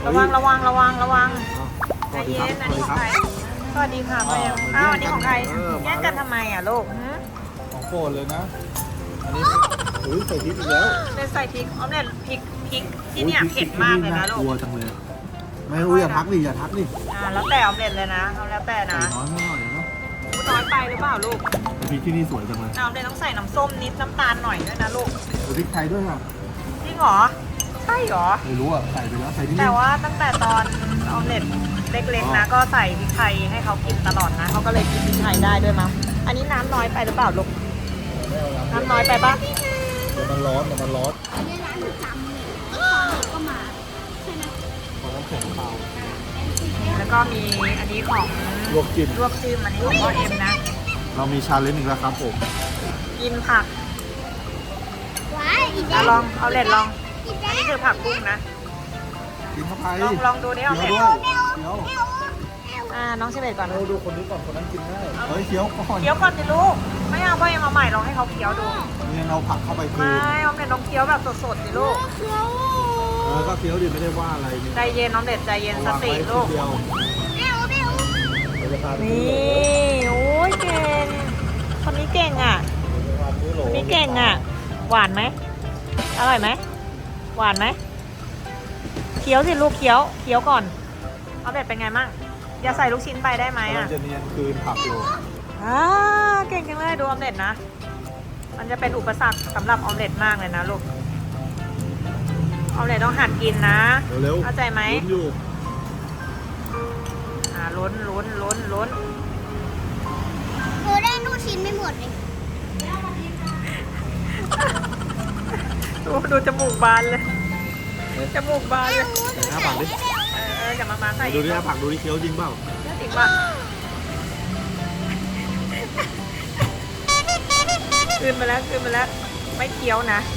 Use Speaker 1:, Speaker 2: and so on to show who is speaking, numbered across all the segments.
Speaker 1: ระวังระวังระวังระวัง
Speaker 2: ส
Speaker 1: ใจ
Speaker 2: วัสดี
Speaker 1: เย็
Speaker 2: ครับ
Speaker 1: นอันนี้ของใครสวัสดีค่ะพ่อเอ็มอ้าวอันนี้ของใครแย่งกันทำไมอ่ะลูก
Speaker 2: ของโปรดเลยนะอันนี้อุ้ยใส่พริกอีกแล้ว
Speaker 1: เป็นใส่พริกออมเล็ตพริกที่เนี่ยเผ็ดมากเลยนะลู
Speaker 2: กลัว
Speaker 1: ก
Speaker 2: จังเลยไม่อุ้ยอย่าทักดิอย่าทักดิ
Speaker 1: แล้วแต่ออมเล็ตเลยนะเอาแล้วแต่
Speaker 2: ใส่
Speaker 1: นะ
Speaker 2: น้อยไม่หน่อยเนาะ
Speaker 1: น้อยไปหรือเปล่าลูก
Speaker 2: พริกที่นี่สวยจังเลย
Speaker 1: ออมเล็ตต้องใส่น้ำส้มนิดน้ำตาลหน่อยด้วยนะลูก
Speaker 2: พริกไทยด้วยค่ะ
Speaker 1: จริงเหรอใช่เหรอ
Speaker 2: ไม่รู้อ่ะใส่ไปแล้วใส่ที่
Speaker 1: แต่
Speaker 2: นี่
Speaker 1: ว่าตั้งแต่ตอนออมเล็ตเล็กๆนะก็ใส่พริกไทยให้เขากินตลอดนะเขาก็เลยกินพริกไทยได้ด้วยมั้งอันนี้น้ำน้อยไปหรือเปล่าลูกน้ำน้อยไปปะ
Speaker 2: เดี๋ยวมันร้อนเดี๋ยวมันร้อน
Speaker 3: อันนี้ร้านประจำเลยก็มาใช่ไหม
Speaker 2: ขอน้ำแข็งเปล่า
Speaker 1: แล้วก็มีอันนี้ของ
Speaker 2: ลวกจิ้ม
Speaker 1: ลวกจิ้มอันนี้ของพ่อเอ็มนะ
Speaker 2: เรามีชาเลนจ์อีกแล้วครับผม
Speaker 1: กินผัก
Speaker 3: ว้ายอีก
Speaker 1: อ่ะ
Speaker 3: แล้ว
Speaker 1: ลองเอาเล็ดลอง
Speaker 3: อีก
Speaker 1: อั
Speaker 3: แล้
Speaker 1: น
Speaker 3: ว
Speaker 1: นี้คือผักบุ้งนะ
Speaker 2: กินเข้าไป
Speaker 1: ลองดูดิเอา
Speaker 2: เคี้
Speaker 1: เล็
Speaker 2: ยว
Speaker 1: ด
Speaker 2: ด้วยเคี้ยว
Speaker 1: น้องเชเบตก่อน
Speaker 2: เราดูคนนี้ก่อนคนนั้นกินได้เฮ้ยเคี้ยวก่อน
Speaker 1: เคี้ยวก่อนสิลูกไม่เอาพ่อเอ็มเอาใหม่ลองให้เขาเคี้ยวดู
Speaker 2: เนี่ยเราผักเข้าไปคื
Speaker 1: ไม่
Speaker 2: น
Speaker 1: ออมเล็ตลองเคี้ยวแบบสดๆสิลูก
Speaker 3: เคี้ยว
Speaker 2: ก็เคี้ยวดิไม่ได้ว่าอะไรเนี่ย
Speaker 1: ใจเย็นออมเล็ตใจเย็นส
Speaker 2: วาง
Speaker 1: ติ
Speaker 2: ไว้
Speaker 1: ลูก
Speaker 2: เดียว
Speaker 3: แมวแมว
Speaker 2: เราจะพาไป
Speaker 1: นี่โอ้ยเก่งคนนี้เก่งอ่ะ
Speaker 2: ซื้อโหล
Speaker 1: คนนี้เก่งอ่ะหวานไหมอร่อยไหมหวานไหมเคี้ยวสิลูกเคี้ยวก่อนออมเล็ตเป็นไงมั่งอย่าใส่ลูกชิ้นไปได้ไหม
Speaker 2: เรา
Speaker 1: อ่ะ
Speaker 2: จะเนียนคืนผักอยู่
Speaker 1: เก่งจังเลยดูออมเล็ตนะ มันจะเป็นอุปสรรคสำหรับออมเล็ตมากเลยนะลูกออมเล็ตต้องหัดกินนะ
Speaker 2: เร็วๆ
Speaker 1: เข้าใจไหม
Speaker 2: ลุ้นอยู่
Speaker 1: ลุ้น
Speaker 3: หนูได้ลูกชิ้นไม่หมดเลย
Speaker 1: ดูจมูกบานเลยจมูกบานเลย
Speaker 2: ไหนหน้าผักดิ
Speaker 1: อย่ามาใส่
Speaker 2: ดูดิหน้าผักดูดิเคี้ยวจริงเปล่า
Speaker 1: จริงป่ะคืนมาแล้วไม่เคี้ยวนะ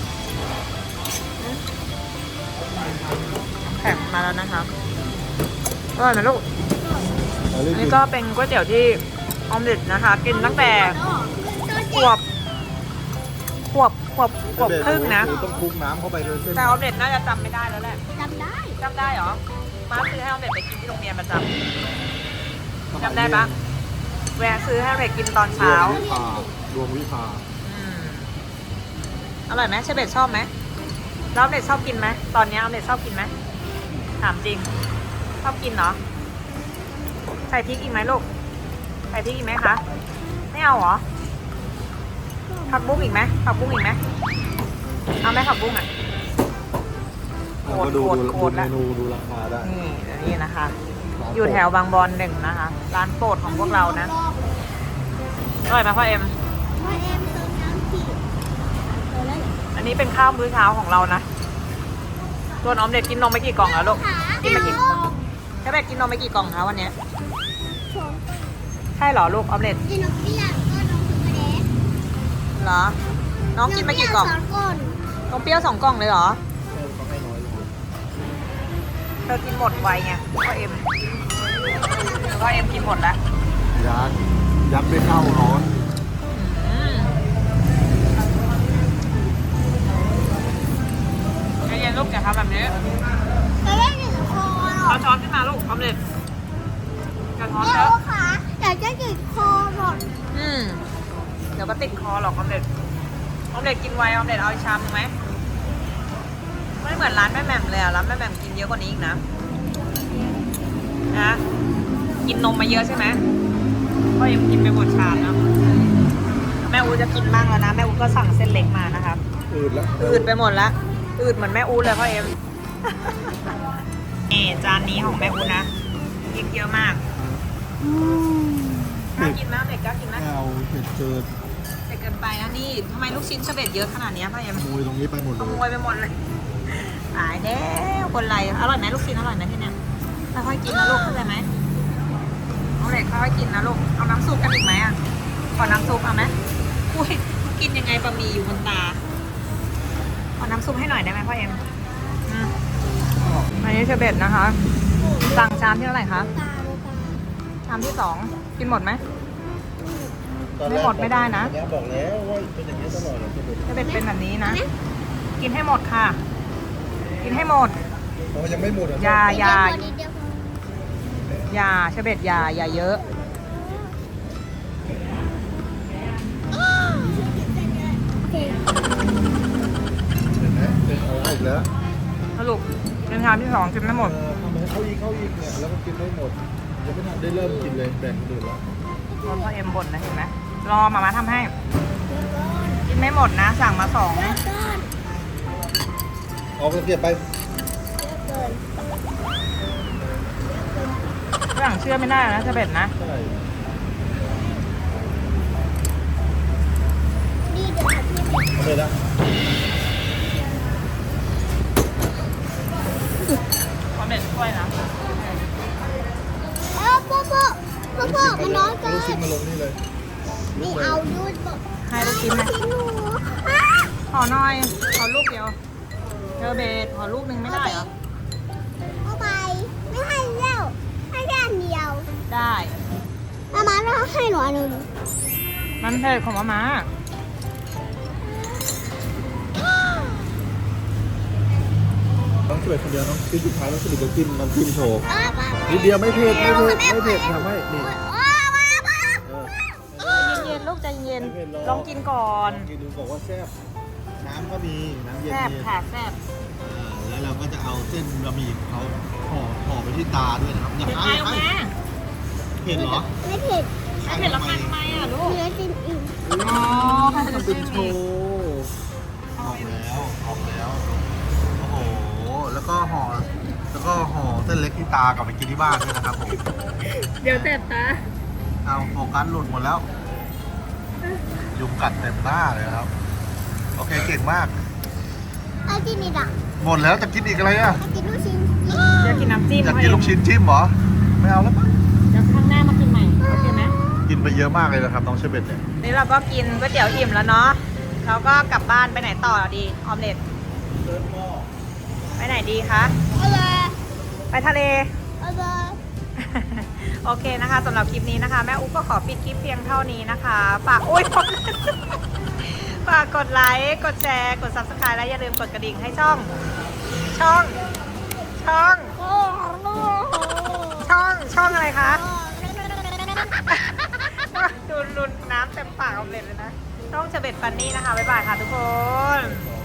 Speaker 1: แข็งมาแล้วนะครับอร่อยไหมลูก อันนี้ก็เป็นก๋วยเตี๋ยวที่ออมเล็ตนะคะ กินตั้งแต่ขวบครึ่งนะ
Speaker 2: ต้องคลุกน้ำเข้าไปเลยเส้น
Speaker 1: แต่ออมเล็ตน่าจะจำไม่ได้แล้วแหละ
Speaker 3: จำได้
Speaker 1: จำได้เหรอมาซื้อให้ออมเล็ตไปกินที่โรงเรียนประจำจำได้ปะแวะซื้อให้ออมเล็ตกินตอนเช้า
Speaker 2: ดวงวิภา
Speaker 1: อืมอร่อยไหมเชเบตชอบไหมแล้วออมเล็ตชอบกินไหมตอนนี้ออมเล็ตชอบกินไหมถามจริง ชอบกินเหรอใส่พริกอีกไหมลูกใส่พริกอีกไหมคะไม่เอาเหรอผักบุ้งอีกไหมผักบุ้งอีกไหมเอาไหมผักบุ้งอ่ะ
Speaker 2: ก็ดู
Speaker 1: โกรธ
Speaker 2: เม
Speaker 1: ละ
Speaker 2: นูดูราคาได้
Speaker 1: นี่นะคะ อยู่แถวบางบอน1นะคะ ร้านโปรดของพวกเรานะอร่อยไหมพ่อเอ็ม
Speaker 3: พ่อเอ็มเติมน้ำผิดเออแล้ว
Speaker 1: อันนี้เป็นข้าวมื้อเช้าของเรานะส่วนออมเด็ดกินนมไปกี่กล่องแล้วลูกกินไปกี่ใช่ไหมกินนมไปกี่กล่องคะวันเนี้ย
Speaker 3: ชม
Speaker 1: ใช่เหรอลูกออมเด็ด
Speaker 3: กินนกเปี้ยก็น้องถึงกระเด็น
Speaker 1: เหรอ น้องกินไปกี่กล่อง
Speaker 3: สองก้อน
Speaker 1: นมเปรี้ยว2 กล่องเลยเหรอ
Speaker 2: เขาให้น้อยลง
Speaker 1: เธอกินหมดไวไงพ่อเอ็มกินหมดแล้ว
Speaker 2: ยัดด้วยข้าวร้อน
Speaker 1: ใจเย็นลูกอย่าทำแบบนี้
Speaker 3: จะได้หนึ่งคอหรอ
Speaker 1: เอาช้อนขึ้นมาลูกออมเล็ตอย่าช้อน
Speaker 3: เดี๋
Speaker 1: เย
Speaker 3: ยว
Speaker 1: อะ
Speaker 3: ค่ะอยากจะติดคอหมด
Speaker 1: เดี๋ยวก็ติดคอหรอกออมเล็ตกินไวออมเล็ตเอาอีกชามหนึ่งไหมไม่เหมือนร้านแม่แหม่มเลยอะร้านแม่แหม่มกินเยอะกว่านี้อีกนะกินนมมาเยอะใช่ไหมก็ยังกินไปหมดชามนะแม่อูจะกินบ้างแล้วนะแม่อูก็สั่งเส้นเล็กมานะครับ
Speaker 2: อืดแล้ว
Speaker 1: อืดไปหมดละอืดเหมือนแม่อูเลยพ่อเอ็ม นี่จานนี้ของแม่อูนะกินเยอะมากกล้ากินไหมเด็กกล้ากินไหม
Speaker 2: ไม่เอาเผ็ดเกิน
Speaker 1: เด็กเกินไปนะนี่ทำไมลูกชิ้นเฉเบ็ดเยอะขนาดนี้พ่อเอ็ม
Speaker 2: ขโมยตรงนี้ไปหมด
Speaker 1: ข
Speaker 2: เลย
Speaker 1: โมยไปหมดเลยตายแล้วคนไรอร่อยไหมลูกชิ้นอร่อยไหมที่เนี้ยค่อยๆกินนะลูกเข้าใจไหมเอาเด็กค่อยๆกินนะลูกเอาน้ำซุปกันอีกไหมอ่ะขอน้ำซุปเอาไหมอุ้ยกินยังไงบะหมี่อยู่บนตาขอน้ำซุปให้หน่อยได้ไหมพ่อเอ็มอันนี้เชเบ็ดนะคะสั่งชามที่เท่าไหร่คะ
Speaker 3: ตา
Speaker 1: ชามที่2กินหมดไหม ไม่หมดไม่ได้นะ
Speaker 2: บอกแล้วว่าเป็นอย่างนี้ตลอดเลย
Speaker 1: เชเบ็ดเป็นแบบนี้นะกินให้หมดค่ะ กินให้หมด
Speaker 2: เพราะว่ายังไม่หมดอ่ะ
Speaker 1: อย่า
Speaker 3: นิดเดียวพอ
Speaker 1: อย่าเชเบตอย่าเยอะ
Speaker 3: โอเค
Speaker 2: เห็นไหมเป็นอะไรอีกแล้ว
Speaker 1: สรุปเป็นชามที่สองกินไม่หมด
Speaker 2: ทำไมเข้าอีกเนี่ยแล้วก็กินไม่หมดยังไม่ทันได้เริ่มกินเลยแบ่งคนอื่นแล้ว
Speaker 1: รถพ่อเอ็มบ่นนะเห็นไหมรอมาทำให้ กินไม่หมดนะ สั่งมาสอง
Speaker 2: เอาไปเก็บไป
Speaker 1: ฝรั่งเชื่อไม่ได้นะเชเบตนะ
Speaker 2: ใช่
Speaker 3: นี่เดี๋ยวพี่
Speaker 2: เอาไปละ
Speaker 1: ความเด็ดช่วยนะ
Speaker 3: พ่อมันน้อยเกิ
Speaker 2: ลูกชิ้น
Speaker 3: น
Speaker 2: มาลงนี่เลย
Speaker 3: นี่เอาดูบอก
Speaker 1: ให้ลูกชิ้นไหม
Speaker 3: หนู
Speaker 1: ขอหน่อย ขอลูกเดียวเชเบตขอลูกหนึ่งไม่ได้เหรอ
Speaker 3: เอาไปไม่ให้แล้วให้แค่อันเดียว
Speaker 1: ได้
Speaker 3: มาเราให้หนูอันหนึ่ง
Speaker 1: มันเผ็ดของมาม่า
Speaker 2: น้องช่วยคนเดียวน้องคือสุดท้ายต้องสรุปกินน้ำจิ้มโชว์นิดเดียวไม่เผ็ดทำให้นี่
Speaker 1: เย็นๆลูกใจเย็นลองกินก่อน
Speaker 2: กินดูบอกว่าแซ่บน้ำก็มีน้ำเย็น
Speaker 1: แซ่บ
Speaker 2: ๆ
Speaker 1: ค่ะแซ่บ
Speaker 2: แล้วเราก็จะเอาเส้นบะหมี่เขาห่อไปที่ตาด้วยนะครับอย่า
Speaker 1: เผ็ด
Speaker 2: ให้
Speaker 1: ไปออกมา
Speaker 2: เผ็ดเหรอ
Speaker 3: ไม่เผ็ด
Speaker 1: ไม่เผ็ดแล้วทำไมอ่ะลูก
Speaker 3: เนื้อจิ้มอิ่ม
Speaker 1: อ๋อเขาจะ
Speaker 2: มัน
Speaker 1: ชิ
Speaker 2: เป็น
Speaker 1: ม
Speaker 2: โช
Speaker 1: อีก
Speaker 2: ว์ออกแล้วโอ้โหแล้วก็ห่อเส้นเล็กที่ตากลับไปกินที่บ้านด้วยนะครับผม
Speaker 1: เดี๋ยวแสบตา
Speaker 2: เอาโฟกัสหลุดหมดแล้ว ยุงกัดเต็มหน้าเลยครับ โอเคเก่งมาก
Speaker 3: เอาจิ้มอีกอ่ะ
Speaker 2: หมดแล้วจะกินอีกอะไรอ่ะ
Speaker 3: เอากินลูกชิ้น
Speaker 1: เดี๋ยวกินน้ำจิ้ม
Speaker 2: อยากกินลูกชิ้นจิ้มเหรอไม่เอาแล้วมั้ง
Speaker 1: เดี๋ยวข้างหน้ามากินใหม่โอเคไหม
Speaker 2: กินไปเยอะมากเลยนะครับน้องเชเบตเนี่ย
Speaker 1: นี่เราก็กินก๋วยเตี๋ยวอิ่มแล้วเนาะเราก็กลับบ้านไปไหนต่อดีออมเล็ตไปไหนดีคะ
Speaker 3: เอาเลย
Speaker 1: ไปทะเล
Speaker 3: เอาเลย
Speaker 1: โอเคนะคะสำหรับคลิปนี้นะคะ แม่อุ๊บก็ขอปิดคลิปเพียงเท่านี้นะคะฝากอุ้ย ฝากกดไลค์กดแชร์กด subscribe และอย่าลืมกดกระดิ่งให้ช่องช่องอะไรคะ ดูน้ำเต็มปากออมเล็ตเลยนะช่องเฉเบ็ดฟันนี่นะคะบ๊ายบายค่ะทุกคน